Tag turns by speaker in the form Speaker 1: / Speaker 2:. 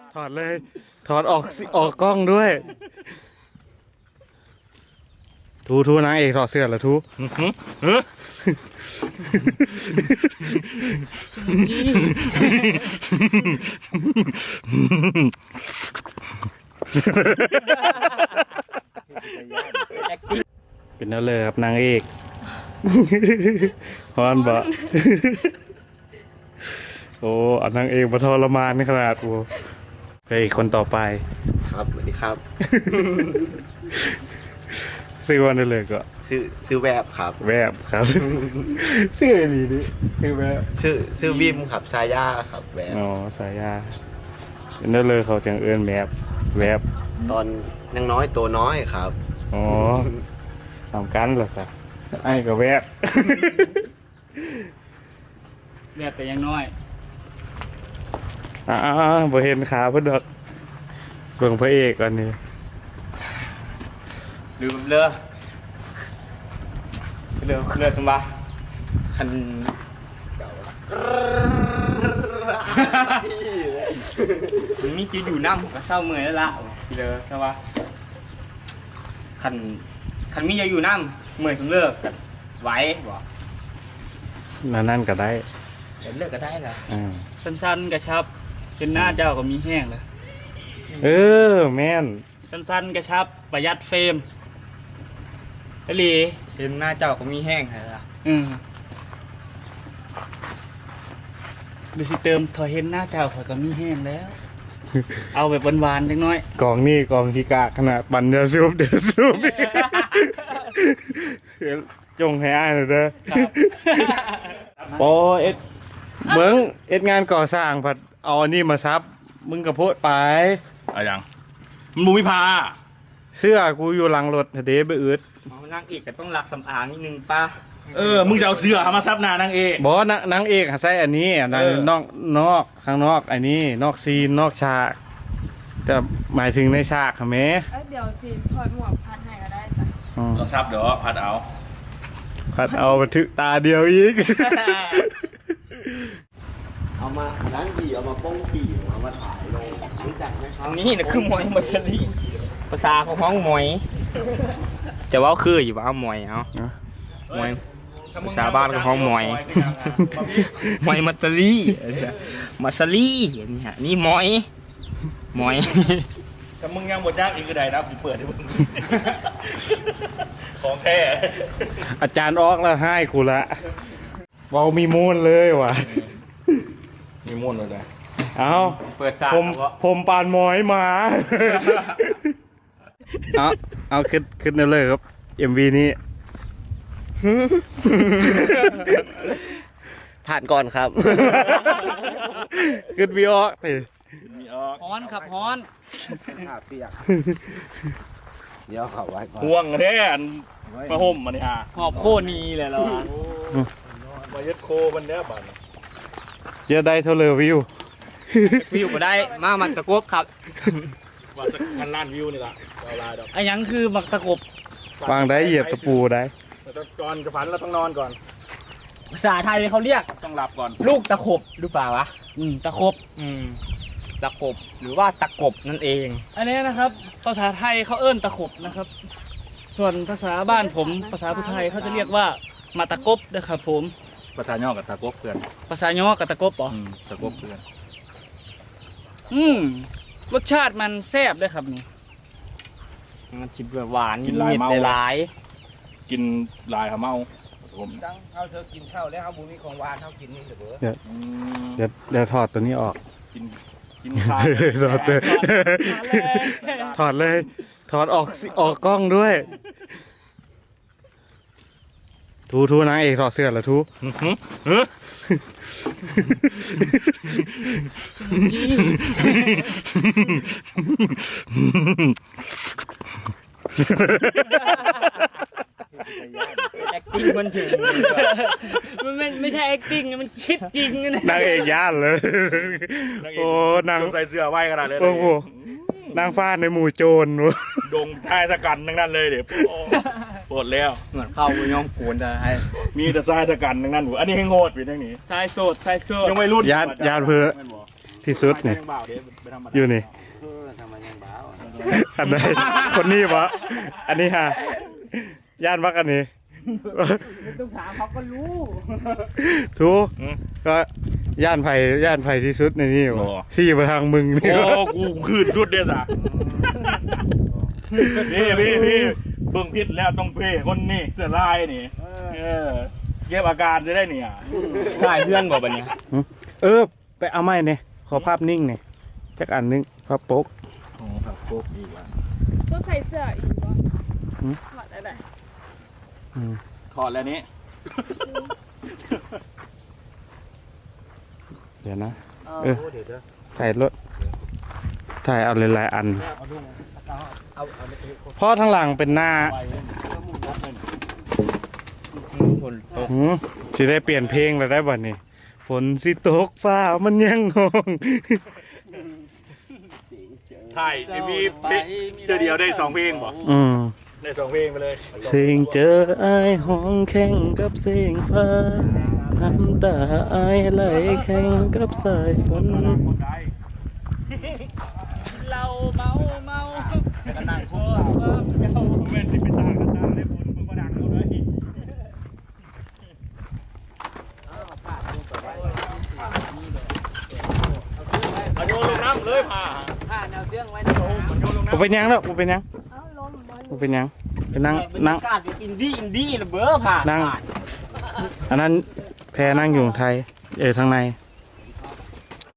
Speaker 1: ถอดเลยถอดออกกล้องด้วยทูนางเอกถอดเสื้อเหรอทูเป็นนั่นเลยครับนางเอกฮอนบะโอ้นางเอกมาทรมานขนาดโอ้ไปคนต่อไป
Speaker 2: ครับสวัสดีครับ
Speaker 1: ซื้อวันได้เลยก็
Speaker 2: ซื้อแวบครับ
Speaker 1: แวบครับซื้ออะไรดิซื้อแวบ
Speaker 2: ซื้อวิมครับซาย่าครับแวบ
Speaker 1: อ๋อสายยาเป็นนั่นเลยเขาจังเอิญแวบ
Speaker 2: ตอนยังน้อยตัวน้อยครับ
Speaker 1: อ๋อทำกันเหรอครับไอ้ก็แวบ
Speaker 3: แต่ยังน้อย
Speaker 1: บ่เห็นขาเพิ่นดอกเบิ่งพระเอกก่อนนี่
Speaker 3: ลืมเรือสมบัติคันนี่จะอยู่น้ำก็เศร้าเมื่อยแล้วละทีเดียวใช่ปะคันมีจะอยู่น้ำเมื่อยสมเลิกไหวบ่
Speaker 1: นั่นก็ได้
Speaker 3: เลิกก็ได้แล้วสั้นๆกระชับเป็นหน้าเจ้าก็มีแห้งเลย
Speaker 1: แม่น
Speaker 3: สั้นๆกระชับประหยัดเฟรมอลีเป็นหน้าเจ้าก็มีแห้งเลยล่ะดูสิเติมถอยเห็นหน้าเจ้าเขาก็มีแห้งแล้วเอาแบบหวานๆเล็กน้อย
Speaker 1: กองที่กะขนาดบันเดือดซูบจงให้อ้ายหน่อยเด้อโอ้เอ็ดงานก่อสร้างผัดเอาอันนี้มาซับมึงกระโพดไป
Speaker 4: อะไรยังมันบูมิพา
Speaker 1: เสื้อกูอยู่หลังรถเดไปอึด
Speaker 3: นางเอกก็ต้องรักสำอางนิดนึงป้า
Speaker 4: มึงจะเอาเสื้อมาซับหน้านางเอก
Speaker 1: บอสนางเอกใส่อันนี้นอกข้างนอกอันนี้นอกซีนนอกฉากแต่หมายถึงในฉากค่ะแม่
Speaker 5: เดี๋ยวซีนถอดหมวกพัดให้ก็ได้จ้ะ
Speaker 4: ต้องซับเดี๋ยวพัด
Speaker 1: เอาบันทึกตาเดียวอีก
Speaker 2: เอามาล้างผีเอามาป้องผีเอามาถ่ายลงรู้จักไหมครับ
Speaker 3: นี่นะคือมวยมัสลีภาษาของห้องมวยจะว่าคืออยู่ว่ามวยเอามวยภาษาบ้านของห้องมวยมัสลีนี่ฮะนี่มวย
Speaker 4: แต่มึงยังบทยากอีกก็ได้นะกูเปิดให้มึงของแท้
Speaker 1: อาจารย์ออกแล้วให้กูละเว้ามีมูลเลยว่ะ
Speaker 4: มีม้วนเลยนะ
Speaker 1: เอา
Speaker 3: เปิดจาก
Speaker 1: ผมปานหมอยมาเอาขึ้นเลยครับ MV นี้
Speaker 2: ผ่านก่อนครับ
Speaker 1: ขึ้นวีออก
Speaker 3: ฮ้อนครับฮ้อน
Speaker 2: เปียกเดี๋ยวเขาไว้ก่อน
Speaker 4: ห่วงแท้มาห่มมาเนี่ย
Speaker 3: หอบโคนีเลยเหรอ
Speaker 4: มายึดโคมันเนี้ยบ้าน
Speaker 1: เยอะได้เท่าเลยวิว
Speaker 3: มาได้มันตะกบครับ
Speaker 4: ว่าสัก1,000 ล้านวิวนี่ละลายดอก
Speaker 3: ไอ้ยังคือมักตะกบ
Speaker 1: วางได้เหยียบตะปูได้
Speaker 4: ก่อนจะฝันเราต้องนอนก่อน
Speaker 3: ภาษาไทยเขาเรียก
Speaker 4: ต้องหลับก่อน
Speaker 3: ลูกตะขบหรือเปล่าวะตะขบตะขบหรือว่าตะกบนั่นเองอันนี้นะครับภาษาไทยเขาเอิ้นตะขบนะครับส่วนภาษาบ้านผมภาษาพุทธไทยเขาจะเรียกว่ามาตะกบนะครับผม
Speaker 4: ภาษาย่อกับตะกบเพื่อน
Speaker 3: ภาษาย่อกับตะกบเหรอ
Speaker 4: ตะกบเพื่อน
Speaker 3: รสชาติมันแซ่บด้วยครับนี่มันชิมหวาน
Speaker 4: กิน
Speaker 3: ลาย
Speaker 4: กินลายเขาเมาผม
Speaker 2: เขาเธอกินข้าวแล้วเขาบุมีของหวานเขากินนี่เถอะ
Speaker 1: เดี๋ยวถอดตัวนี้ออก
Speaker 4: กินข้าว
Speaker 1: ถอดเลยถอดออกกล้องด้วยทูนางเอกถอดเสื้อเหรอทู
Speaker 3: acting มันถึงมันไม่ใช่ acting มันคิดจริงนะ
Speaker 1: นางเอกย่านเลยโอ้นาง
Speaker 4: ใส่เสื้อไว้ขนาดเลย
Speaker 1: โอ้โหนางฟ้าในหมู่โจร
Speaker 4: ดงท้ายสกันทั้งนั้นเลยเดี๋ยวปวดแล้ว
Speaker 3: เหมือนเข้าไปย่อมโกนได้
Speaker 4: มีแต่ทรายสกันทั้งนั้นอันนี้ให้โงดไปทั้งนี้
Speaker 3: ทรายโสด
Speaker 4: ยังไม่รุ่น
Speaker 1: ยานเพื่อทที่สุดนี่
Speaker 4: ยังบ่าวเดี๋ยวไปทำมา
Speaker 1: อยู่นี่
Speaker 2: ทำไมยังบ้าว
Speaker 1: อันใดคนนี้วะอันนี้ฮะย่านวักอันนี้
Speaker 3: ต้องถามเขาก็รู้
Speaker 1: ทูก็ย่านไผ่ที่สุดในนี่วะซี่มาทางมึงนี่
Speaker 4: โอ้
Speaker 1: วะ
Speaker 4: กูคืนสุดเดียวสะพี่เบิ่งพิษแล้วต้องเพคนนี่เสื้อลายนี่เก็บอาการจะได้เนี่ย
Speaker 3: ถ่ายเพื่อนบอกแบบนี้
Speaker 1: ไปเอาไม้เนี่ยขอภาพนิ่งเนี่ยจักอันนึงภาพโป๊ก
Speaker 4: โอ้ครับโป๊กอีกอ่ะ
Speaker 5: ต้องใส่เสื้ออีกวะ
Speaker 1: หืม
Speaker 5: ถอดอะไร
Speaker 4: ขอดแล้วนี้
Speaker 1: เดี๋ยวนะใส่รถถ่ายเอาหลายๆอันเพราะทางหลังเป็นหน้า
Speaker 3: คนตก
Speaker 1: สิได้เปลี่ยนเพลงแล้วได้บ่นี่ฝนสิตกฟ้ามันยังงง
Speaker 4: ถ่ายเอ็มวีเจอเดียวได้2เพลงบ่ ได้2เพลงไปเลย
Speaker 1: เสียงเจอไอ้ายห้องแข่งกับเสียงฟ้าน้ำตาไอ้ายไหลแข่งกับสายฝน
Speaker 3: เราเมาก็นั่งคู่
Speaker 4: เว้นสิเป็นตากันตาได้บุญมึงก็ดังเขาเลยเอาโยนลงน้ำเลยผ่า
Speaker 3: แนวเสื้องไว้
Speaker 4: โยนลง
Speaker 1: บ่เป็นหยังแล้วบ่เป็นหยัง
Speaker 5: เอ้าลมบอล
Speaker 1: บ่เป็นหยังไปนั่ง
Speaker 3: กาดอินดี้ระเบ้อผ่า
Speaker 1: อันนั้นแพรนั่งอยู่ไทยทางใน